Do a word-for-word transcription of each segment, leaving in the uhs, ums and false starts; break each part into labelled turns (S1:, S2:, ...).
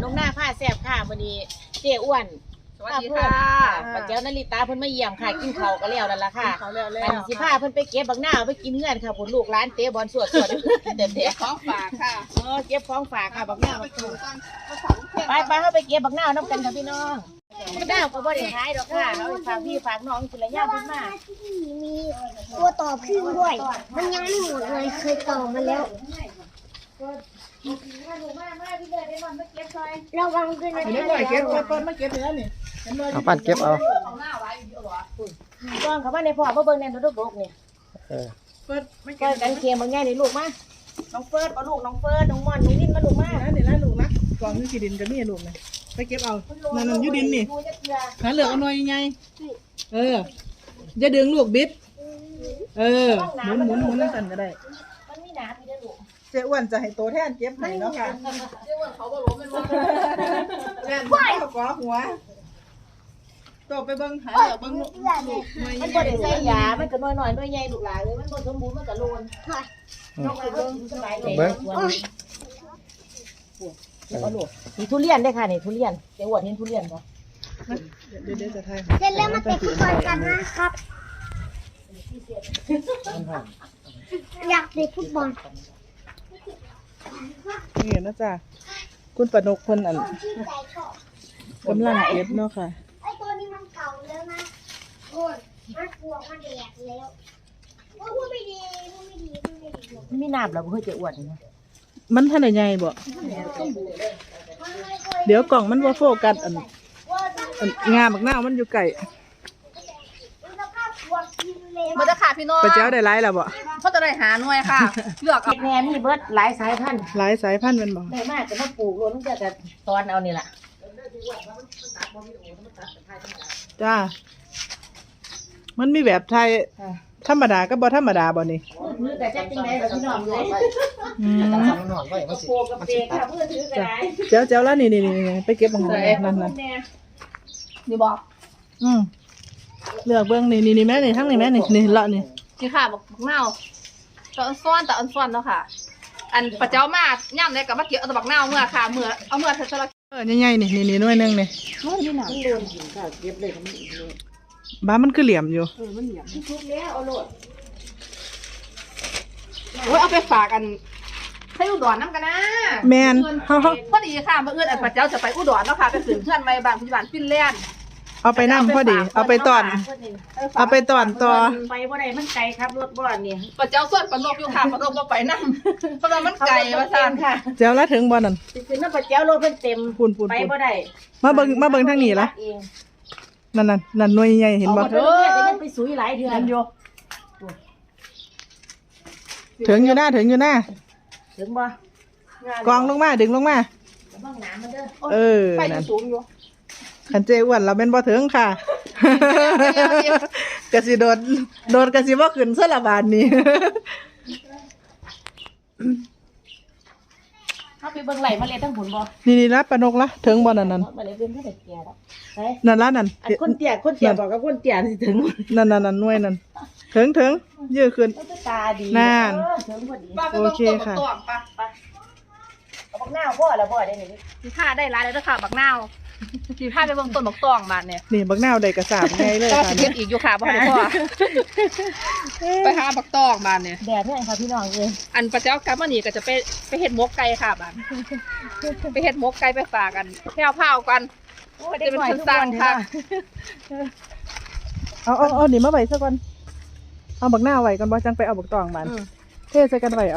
S1: งหน้าผ้าแซ่บค่ะวันนี้เจ๊อ้วน
S2: สวัสดีค่ะ
S1: ป้าเจ้านาริตาเพิ่นมาเยี่ยมค่ะกินข้าวก็แล้วนั่นล่ะค่ะ
S2: เขาเร็วๆ
S1: อันสิพาเพิ่นไปเก็บบักหน้าไปกินเงื่อนค่ะผลลูกร้านเตะบอลสวดสวดเด็ดเด็ด
S2: ของฝากค่ะ
S1: เออเก็บของฝากค่ะบักหน้า
S2: ไป
S1: มา
S2: ถู
S1: ถู
S2: ก
S1: ก
S2: กันภาษาลูกเพื่อน
S1: ไปไปเฮาไปเก็บบักหน้าน้ำกันค่ะพี่น้องบักหน้าก็บ่ได้ขายดอกค่ะเอาไปฝากพี่ฝากน้องสิละย่างเพิ่นมา
S3: มีตัวต่อพึ่งด้วย มันยังไม่หมดเลย เคยต่อมาแล้ว ระวังด้วยนะ
S2: เดี๋ยวหน่อยเก็บเปิ้ลมาเก็บเนื้อนี่
S4: เอาปั้นเก็บเอา
S2: เอาหน้าไว้เดี๋ยวหรอ
S1: ก้อนเขาว่าในพ่อบ่เบิ่งแน่นดอกๆนี่
S4: เออ
S2: เปิ้ลไม่เก็
S1: ก้
S2: บ
S1: อนกันเคียงบางแง่นี่ลูกมาน้องเฟิร์สเอาลูกน้องเฟิร์สน้องม่อนน้องดินมาลูกมา
S2: นะนี่นะลูกนะกล่องนี่ขีดินก็มีลูกนะไปเก็บเอานั่นนั่นยูดินนี่หาเหลือกเอาหน่อยไงเออจะดึงลูกบิดเออหมุนหมุนหมุนนั่นสั่นก็ได้
S1: มันมีหนาพี่เด้อลูก
S2: เจ้อ้วนจะให้โตแทนเก็บให้เนาะค่ะเจ้อ้วนเขาบ่ล้มเป็นว่าแม่นเขาก่อหัวโตไปเบิ่งหาเหลือกเบิ่งลูกหน่อย
S1: มันบ่ได้ใส่ยามันก็น้อยๆน้อยใหญ่ลูกหลานเลยมันบ่สมบูรณ์มันก็โลนนอกจากเบิ่งสบายใจเอาลูกนี่ทุเรียนได้ค่ะนี่ทุเรียนเจ้อ้วนเห็นทุเรียนบ่
S2: เดี๋ยวเดี๋ยวจะทาย
S3: เสร็จแล้วมาเตะฟุตบอลกันนะครับ อยากเตะฟุตบอล
S2: นี่นะจ๊ะคุณปนกคนอันกำลังเก็บเนาะค่ะ
S3: ไอ้ตัวนี้มันเก่าแล้วนะโอ้ยมันกลัวมันแดกแล้วว่าพูดไม่ดีพูดไม่ดีพูดไม่ดี
S1: มีน้ำแล้วบ่เคยเจ้อ้วนนี่
S2: มันท่านใหญ่บ่เดี๋ยวกล่องมันว่าโฟกัสอันอันงาบักหน้ามันอยู่ไก่
S5: มันจะขาดพี่น้อง
S2: ไปเจ้าได้ไรแล้วบ่
S5: เขาจะได้หาหน่วยค่ะเลือกเอา
S1: แหน่มีเบิดหลายสายพันธุ์
S2: หลายสายพันธุ์แมันบ่
S1: ได้มากก็มาปลูกรวมจะจะตอนเอานี่ล่ะ
S2: จ้ามันมีแบบไทยธรรมดาก็บ่ธรรมดาบ่นี่
S1: มือแต่จักจังได๋ล่ะพี่น้องเลย
S2: อืม
S4: นอนไว้มันสิ
S1: โปกับเปค่ะมือถือก็ได้
S2: เจ้าเจ้าแล้วนี่นี่นี่ไปเก็บของนั่นนั่นนั่น
S5: นี่บอก
S2: อืมเลือกเบิ่งนี่นี่นี่แม่นี่ทั้งนี่แม่นี่นี่เลาะนี่
S5: นี่ค่ะบอกบักเน่าแต่อันซ้อนแต่อันซ้อนเนาะค่ะ อันปะเจ้ามากย่ำเลยกับมะเกี่ยวเอาแต่บักเน่าเมื่อค่ะเมื่อเอาเมื่อเธอจะละ
S2: เออใหญ่ๆนี่นี่นี่หน่วยหนึงนี่
S1: มันโดนกินค่ะเก็บเลยก็มันอีกเลย
S2: บ้ามันคือเหลี่ยมอยู่
S1: ทุกแล้วเอาโลด
S5: โอ้ยเอาไปฝากกันให้อุดรน้ำกันนะ
S2: แม่นเฮาเฮา
S5: พอดีค่ะเมื่อเอื้อนอันปะเจ้าจะไปอุดรเนาะค่ะไปถึงเพื่อนไม่บางพิบัติฟินแลนด์
S2: เอาไปนั่งพอดี เอาไปตอน เอาไปตอนต่อ
S1: ไปบ่ได้มันไกลครับรถบ่นี่
S5: ปะเจ้าส่วนปนกอยู่ค่ะปนกบ่ไปนั่งเพราะว่ามันไกลว่าซั่นค่ะ
S2: เจ้าละถึงบ่นั่น
S1: สิขึ้นน้ำปลาเจ้ารถเพิ่นเต็ม
S2: พูนพูน
S1: ไป
S2: พูน
S1: บ่ได้
S2: มาเบิ่งมาเบิ่งทางนี้ละ
S1: เอง
S2: นั่นนั่นนั่นหน่วยใหญ่เห็นบ่
S1: เออก็ยังไปสุยหลายเดือนอยู่
S2: ถึงอยู่หน้าถึงอยู่หน้า
S1: ถึงบ่
S2: กองลงมาดึงลงมา
S1: บ้างน้ำมันเด้อ
S2: เออ
S5: ไป
S2: นั่น
S5: สูงอยู่
S2: คันเจอ้วนเราเป็นบ่ถึงค่ะ กะสิโดดโดดกะสิบ่ขึ้นซะละบาดนี้
S1: เฮาไปเบิ่งไหลมาเลยทั้งผุนบ่
S2: นี่นี่ละปานกละถึงบ่นั่นนั่น
S1: มาเลยเป็นเท่าไหร่แก่แล้วไป
S2: นั่นละนั่น
S1: อันคนเตี้ยคนเตี้ยบอกกับคนเตี้ยสิถึง
S2: นั่นนั่นนั่นหน่วยนั่นถึงถึงยื้อขึ้น
S1: มันตาดี
S2: นั่น
S1: เออถึงพอดี
S5: ป้าไปเบิ่งต้นบักตองปะ
S1: เอาบักหน้าพ่อแล้วบ่ได้นี่
S5: สีผ้าได้ร้ายเลยเด้อค่ะบักนาวสีผ้าไปเบิ่งต้นบักตองมาเนี่ย
S2: นี่บักนาวได้กระสาบไงเลย
S5: ก็
S2: ค่ะ
S5: สิเก็บอีกอยู่ค่ะบ่ทันได้พอไปหาบักตองมาเนี่ย
S1: แดดเนี่ยค่ะพี่น้องเอ้ย
S5: อันปะเจ้ากลับมานี่ก็จะไปไปเฮ็ดหมกไก่ค่ะบ้านไปเฮ็ดหมกไก่ไปฝากกันแพ้วพาวกัน
S1: โอ้ยได้หน่อยทุกวันค่ะ
S2: เอาเอาเอานี่มาไว้ซะก่อนเอาบักนาวไว้ก่อนบ่จังไปเอาบักตองบานเทใส่กันไว้เอา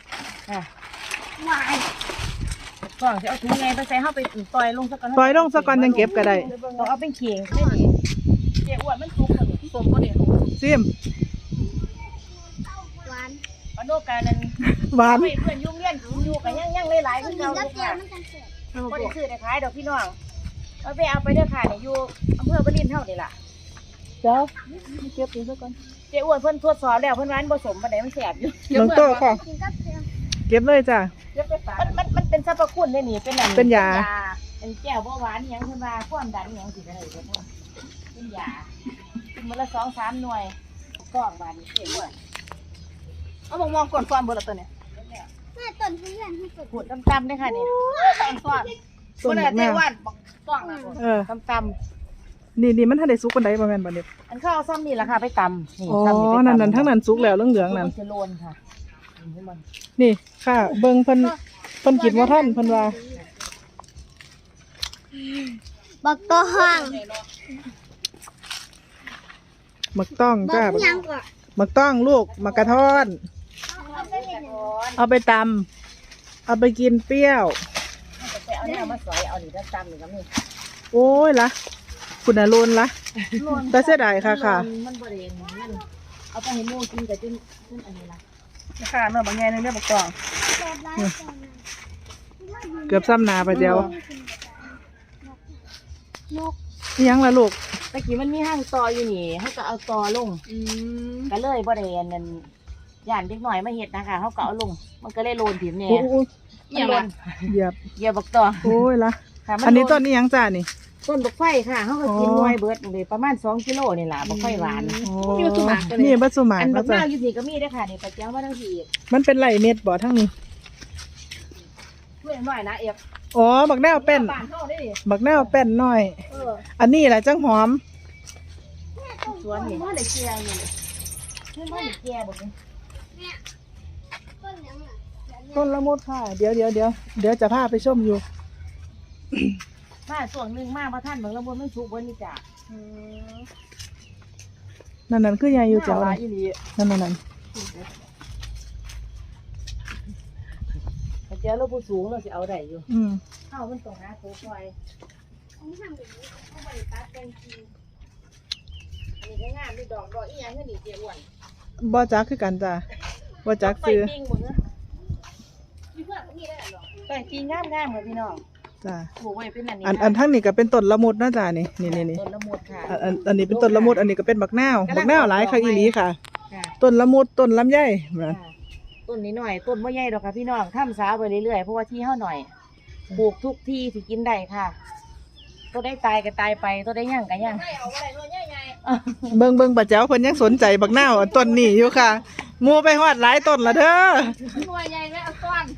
S1: ก่อนสิเอาถุงไงไปใส่เฮาไปต่อยลงซะก่อน
S2: ปล่อยลงซะก่อนยังเก็บก็ได้
S1: ต้องเอาเป็นเข่งได้ดิเจ้อ้วนมันสุกบ่นี่
S5: สมบ่นี่
S2: ซิม
S3: หวาน
S1: ปานโนกานั่น
S2: หวาน
S1: เพื่อนเพื่อนยุ่งเลี้ยนอยู่กันยังยังหลายๆคือเก่า
S3: แล้ว
S1: อยู่
S3: เจีย
S1: ค่ะ
S3: มันกันเสร็จ
S1: บ่ได้ซื้อได้ขายดอกพี่น้องเอาไปเอาไปเด้อค่ะนี่อยู่อำเภอบ่รินเฮานี่ล่ะ
S2: เจ้าเก็บอีกซะก่อน
S1: เจ้อ้วนเพิ่นทดสอบแล้วเพิ่นว่ามันบ่สมปานใดมันแสบอยู่
S2: น้องโตค่ะ
S3: กินกับเจีย
S2: เก็บเลยจ้ะ
S1: มันมันมันเป็นสรรพคุณได้นี่เป็นอัน
S2: เป็นยา
S1: เป็นแก้วเบาหวานอิหยังเพิ่นว่าความดันอิหยังสิได้เพิ่นว่าเป็นยากินมื้อละสองสามหน่วยก้องบาดนี้เจ้อ้วน
S5: เอามองมองก่อนซ้อนเบิดละตัวเนี่ย
S3: แม่ต้นทุเรียนให้เปิด
S1: ขูดตำๆเด้อค่ะนี่
S5: ซ้อนซ้อน
S2: ต้น
S1: บ่
S2: บั
S1: ได้
S2: ก
S1: แต่
S2: นาว
S1: วันบักต้องนะ
S2: เออ
S1: ตำ
S2: นี่นี่มันทันได้สุกปานใดบ่แม่นบ่เนี่ย
S1: ๆอันข้าวซ้ำนี่ล่ะค่ะไปตำนี่
S2: อ๋อ
S1: ซ้ำนี่ไปตำ
S2: นั่นนั่นทั้งนั้นสุกแล้วเหลืองๆนั่น
S1: มัจะโลนค่ะนี่มัน
S2: นี่ค่ะ เบิ่งเพิ่นเพิ่นคิดว่าท่านเพิ่นว่า
S3: บักตัวห้อง
S2: หมักต้อง
S3: บั
S2: จ้าก
S3: ยังก่อน
S2: หมักต้องลูกหมักกระท้อน เอาไปตำเอาไปกินเปรี้ยว
S1: ไปเอาเนี่ยมาสอยเอานี่ถ้าตำนี่ก็มี
S2: โอ้ยละคุณน่ะโลนละ แต่เสียดายค่ะค่ะ
S1: มันบ่ได้มันเอาไปให้หมูกินก็จนจนอันนี้ล่ะ
S2: ค่ะเนื้อบางแง่นึงเนื้อบักต้อง
S3: แบบไรก่อนนะ
S2: เกือบซ้ำนาไปเดียวน
S3: ก
S2: อิหยังละลูก
S1: ตะกี้มันมีห้างตออยู่นี่เขาก็เอาตอลง
S5: อืม
S1: ก็เลยบ่ได้อันนั้นย่านเด็กหน่อยมาเฮ็ดนะคะเขาก็เอาลง มันก็เลยโลนถิ่มแหน่
S2: โอ้โอ้
S1: มันโลน
S2: เหยียบ
S1: เหยียบบักตอ
S2: โอ้ยละ
S1: ค่ะมั
S2: อันนี้
S1: โล
S2: ต้นนี้ยังจ้านี่
S1: ต้นบักไฟค่ะเขาก็กิน
S2: อ๋อ
S1: หน่วยเบิดเลยประมาณสองกิโลนี่ล่ะบักไฟหวาน
S2: โอ้
S5: มีวัตถุหมากกันเลย
S2: นี่บัตสุหมาก
S1: อันบั
S2: เนาะ
S1: ก
S2: จ้ะ
S1: นาวอยู่นี่ก็มีเด้อค่ะนี่ปลาเจ้ามาทั้งที
S2: มันเป็นไรเม็ดบ่ทั้งนี้
S1: ช่วยหน่อยนะเอฟ
S2: อ๋อบักแนวเป็น
S1: บ้านเฮาได้ดิ
S2: บักแนวเป็นน้อย
S1: เออ
S2: อันนี้แหละจังหอม
S1: สวนนี่บ่ได้เกลียอยู่เพิ่นบ่ได้เกลียบ่นี่
S3: ต้นยังอ่ะ
S2: ต้นละมุดค่ะ เดี๋ยวเดี๋ยวเดี๋ยวเดี๋ยวจะพาไปชมอยู่
S1: มาส่วนหนึงมาบ่ทันเบิ่งแล้วบ่มันสุกเบิ่นี่จ้ะ
S2: นั่นนั่นคือใหญ่อยู่เจ้า
S1: หลา
S2: นั่
S1: ย
S2: น
S1: อีหลี
S2: นั่นนั่นนั่น
S1: ปลาเจ้าเราผู้สูงเราสิเอาได้อยู่
S2: อืม
S1: เฮามันต้องหาตัวซอย
S3: อันนี้ทำแบบนี้
S1: เขาบ่ได้ตัดแต่งจริงอันนี้ก็งามมีดอกดอกอีหยังคือนี่เจ้อ้วน
S2: บ่จักคือกันจ้ะบ่จักซื้อ
S1: ไปปิ้งบ่เนอะมีเพื่อนก็มีได้หรอไปปิ้งงามๆค่ะพี่น้อง
S2: จ้ะ
S1: ปลูกไว้เป็นอันนี้
S2: อันอันทั้งนี้ก็เป็นต้นละมุดนะจ้ะนี่นี่นี่นี่
S1: ต้นละมุดค่ะ
S2: อันอันอันนี้เป็นต้นละมุดอันนี้ก็เป็นบักนาวบักนาวหลายค่ะอีหลีค่ะ
S1: ค่ะ
S2: ต้นละมุดต้นลำไยนั่น
S1: ค่ะต้นนี้หน่อยต้นบ่ใหญ่ดอกค่ะพี่น้องข้ามสาวไปเรื่อยๆเพราะว่าที่เฮาหน่อยปลูกทุกที่ที่กินได้ค่ะตัวได้ตายก็ตายไปตัวได้ย่างก็ย่าง
S2: เบิ่งเบิ่งป้าแจ๋วเพิ่นยังสนใจบักนาวอันต้นนี้อยู่ค่ะหมู่ไปฮอดหลายต้นละเด้อ
S5: หน่วยใหญ่และเอาซ้อน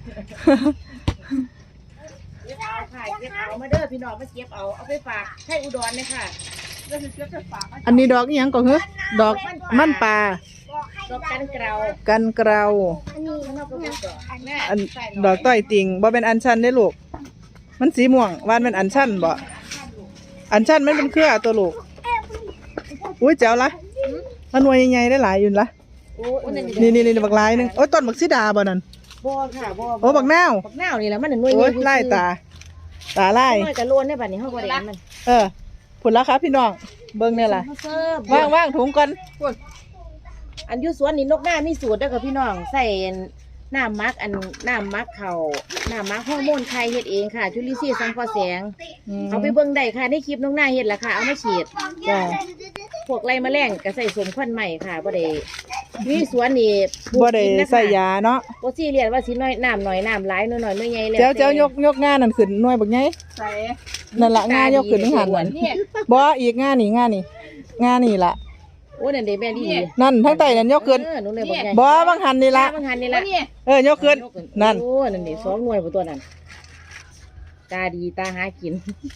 S1: เก็บเอาค่ะเก็บเอามาเด้อพี่น้องมาเก็บเอาเอาไปฝากให้อุดรเลยค่ะ
S5: แล้วจะเก็บจะฝาก
S2: อันนี้ดอกอีหยังก็คือดอกมันปลา
S1: ดอกกันเกลา
S2: กันเกลา
S3: อันนี้
S1: ข้างนอกก็เป็นดอกแม่
S2: อันดอกต้อยติ่งบ่เป็นอัญชันได้อลูก มันสีม่วงวานเป็นอัญชันบ่อัญชันมันเป็นเครือตัวลูกอุ้ยแจ๋วละมันหน่วยใหญ่ๆได้หลายอยู่ละ
S1: โอ้ย
S2: นี่นี่นี่บักหลายหนึงโอ้ยต้นบักสีดาบ่นั่น
S1: บ่ค่ะบ่
S2: โอ้บักนาว
S1: บักนาวนี่แหละมันหน่วย
S2: โอ้ย
S1: ใหญ่
S2: ไล่ตา ตาไล่
S1: หน่วยกะโลนได้บัดนี้เฮาบ่ได้อันมัน
S2: เออผลแล้วครับพี่น้องเบิ่งเนี่ยล่ะ
S1: เฮาเสิร์ฟ
S2: ว่างว่างถุงก่อน
S1: อันอยู่สวนนี่นกหน้ามีสูตรเด้อค่ะพี่น้องใส่น้ำมักอันน้ำมักเขาน้ำมักฮอร์โมนไข่เฮ็ดเองค่ะ จุลินทรีย์สังเคราะห์แสง
S2: ม
S1: เอาไปเบิ่งได้ค่ะในคลิปนกหน้าเฮ็ดล่ะค่ะเอามาฉีด
S2: จ้ะ
S1: พวกไรแมลงก็ใส่สมควันใหม่ค่ะบ่ได้มีสวนนี่ปลูก
S2: บ่ได้
S1: กินนะคะ
S2: ใส่ยาเนาะ
S1: บ่ซีเรียสว่าสิน้อยน้ำน้อยน้ำหลายน้อยน้อยน้อยใหญ่แล้ว
S2: เจ้าเจ้า
S1: แต่
S2: ยกยกงานนั่นขึ้นหน่วยบักไง
S5: ใส่
S2: นั่นละงานยกขึ้นนึงหันนั่น
S5: นี่
S2: บ่อีกงานนี่งานนี่งานนี่ล่ะ
S1: โอ้นั่นเด้แม่ดี
S2: นั่นทั้งใต้นั่นยกขึ้น
S1: เออหนูเลยบอกไง
S2: บ่บางหันนี่ละ
S1: บางหันนี่ละ
S5: นี่
S2: เออยกขึ้นนั่น
S1: โอ้นั่นดิสองหน่วยบ่ตัวนั้นตาดีตาหากิน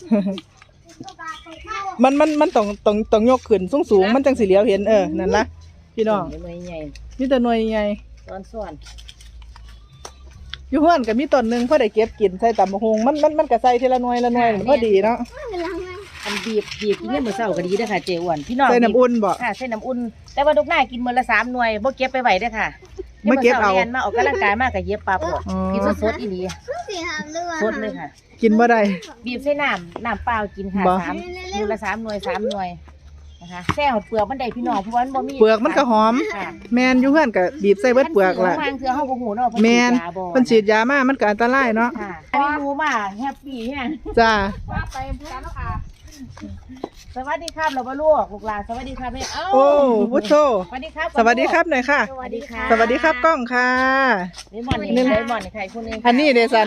S2: มันมันมันต้องต้องต้องยกขึ้นสูงสูงๆมันจังสิเหลียวเห็นเออนั่นละพี่น้อง
S1: หน่วยใหญ่
S2: มีแต่หน่วยใหญ่
S1: ตอนส่วน
S2: อยู่เฮือนก็มีต้นหนึงพอได้เก็บกินใส่ตำบักหุ่งมันมันมันก็ใส่ทีละหน่วยละหน่วยพอดีเนาะ
S1: อันบีบบีบกินเนี่ยามมื้อเช้าก็ดีเด้อค่ะเจ๊อ้วนพี่น้อง
S2: ใส่น้ำอุ่นบ่
S1: ค่ะใส่น้ำอุ่นแต่ว่าดอกหน้ากินมื้อละสามหน่วยบ่เก็บไปไว้เด้อค่ะ
S2: ไม่เก็บเอา
S1: ดี๋ยวมื้ช้รียนมาออกกำลังกายมากก็เย็บปั๊บโลด
S2: อ๋อ
S1: กินสดๆอีหลี
S3: สีหามเรือ
S1: สดเลยค่ะ
S2: กินบ่ได้
S1: บีบใส่น้ำน้ำเปล่ากินค่ะ
S2: บ่
S1: สามมือละสามหน่วยสามหน่วยนะคะแซ่หดเปลือกมันได้พี่น้องเพราะว่ามันบ่มี
S2: เปลือกมันก็หอม
S1: ค่ะ
S2: แมนอยู่เฮือนก็บีบใส่เบิดเปลือกล่ะ
S1: ทางเถื่อเฮาบ่ฮู้เนาะ
S2: แมน
S1: เพิ่
S2: เพิ่น
S1: น
S2: ฉีดยามามันก็อันตรายเนาะ
S1: ค่ะอันนี้รู้มาแฮปปี้แฮง
S2: จ้า
S5: ว่าไปกันแล้วค่ะ
S1: สวัสดีครับเราบ่ลูกลูกหลานสวัสดีครับแม่เอ้า
S2: โอ้พุทโธ
S1: สวัสดีครับ
S2: สวัสดีครับหน่อยค่ะ
S1: สวัสดีค่ะ
S2: สวัสดีครับกล้องค่ะ
S1: เลมอนนี่เลมอนนี่ใครคนหนึงค่ะ
S2: อันนี้เดซัน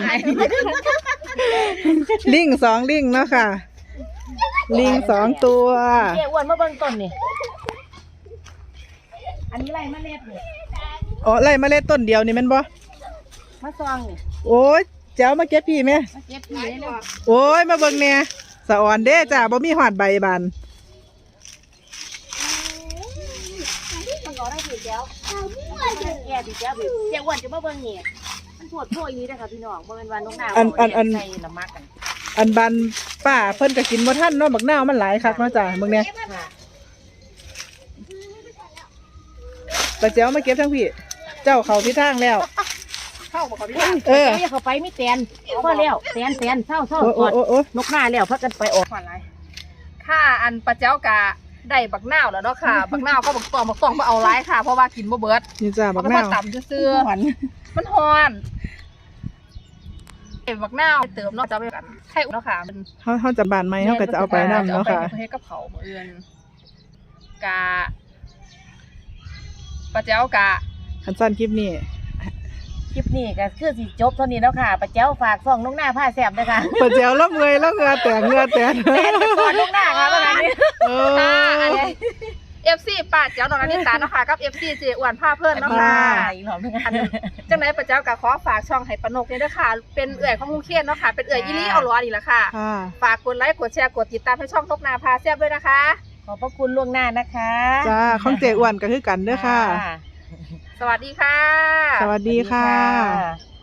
S2: ลิงสองลิงเนาะค่ะ ลิงสองตัว
S1: เจ๊อ้วนมาเบิ่งต้นนี่อันนี้ไรเมล็ดนี่
S2: อ๋อไล่เมล็ดต้นเดียวนี่แม่นบ่
S1: มาซองนี่
S2: โอ้ยเจ้ามาเก็บพี่ไหม
S1: มาเก็บพี่เลยเนาะ
S2: โอ้ยมาเบิ่งแหน่สะอ่อนเด้จ้าบ่มีหอดใบบาน
S1: มันก็ได้พี่แก้วแก่พี่แก้วพี่แก้วอ้วนจะมาเบิ่งนี่มันปวดโผล่อย่างนี้เด้อค่ะพี่น้องบ่แม่นว่าน้องนาวใส่ละมักกัน
S2: อันบานป้าเพิ่นก็กินบ่ทันเนาะบักนาวมันหลายคักเนาะจ้าเบิ่งแหน่
S1: ค่ะ
S2: ตาเจ้ามาเก็บทั้งพี่เจ้าเข้าที่ทางแล้ว
S5: เข้าบ่ครับพี่
S2: เออ
S1: อย่าเข้าไปมีแตนพอแล้วแตนแตนเศร้าเศร้า
S2: โอ้
S1: กอด
S2: โอ้โอ้
S1: นกหน้าแล้วพักกันไปออก
S5: ขวัญอะไรค่ะอันปลาเจ้ากะได้บักนาวแล้วเนาะค่ะ บักนาวก็บักตองบักตองมาเอาร้ายค่ะ เพราะว่ากินบ่เบิด
S2: นี่จ้าบัก
S5: มัน
S2: นา
S5: มาว ต่ำซื่อ
S2: หวาน
S5: ๆมันฮ้อนเก็บบักนาวเติมเนาะจะเอาไปกันไข่อุ่นเนาะค่ะมัน
S2: เฮาเฮาจะบานไหมเฮาก็จะเอาไปนํเนาะค่ะ
S5: จอไปเฮ็ดกับเขาวมื้ออื่นกะปลาเจ้ากะ
S2: คันสั้นคลิปนี้
S1: คลิปนี้ก็คือสิจบเท่านี้แล้วค่ะป้าเจ้าฝากส่องน้องหน้าผ้าแสบด้วยค่ะ
S2: ปะเจ้าแล้วเมื่อยแล้วเหงือแตกเหงือแตก
S1: แตนก่อนน้องหน้าค่ะประมาณนี้
S2: เอ
S5: ค่ะอัน
S2: อ
S5: นี้ เอฟ ซี ป้าเจ้าน้องอนิตาเนาะค่ะกับ เอฟ ซี เจอ้วนผ้าเพิ่นเนาะค่ะ
S1: อีกหน่อยนึง
S5: อันจังไหนป้าเจ้าก็ขอฝากช่องให้ปานกเนี่ยเด้อค่ะ เป็นเอื่อยของลุงเคนเนาะค่ะ เป็นเอื่อยอีลี่เอาล้อนี่แหละค่ะ
S2: ค่ะ
S5: ฝากกดไลค์กดแชร์กดติดตามให้ช่องนกนาพาแซ่บด้วยนะคะ
S1: ขอบพระคุณล่วงหน้านะคะ
S2: จ้าของเจอ้วนก็คือกันเด้อค่ะ
S5: สวัสดีค่ะ
S2: สวัสดีค่ะ
S1: สวัสดีค่ะ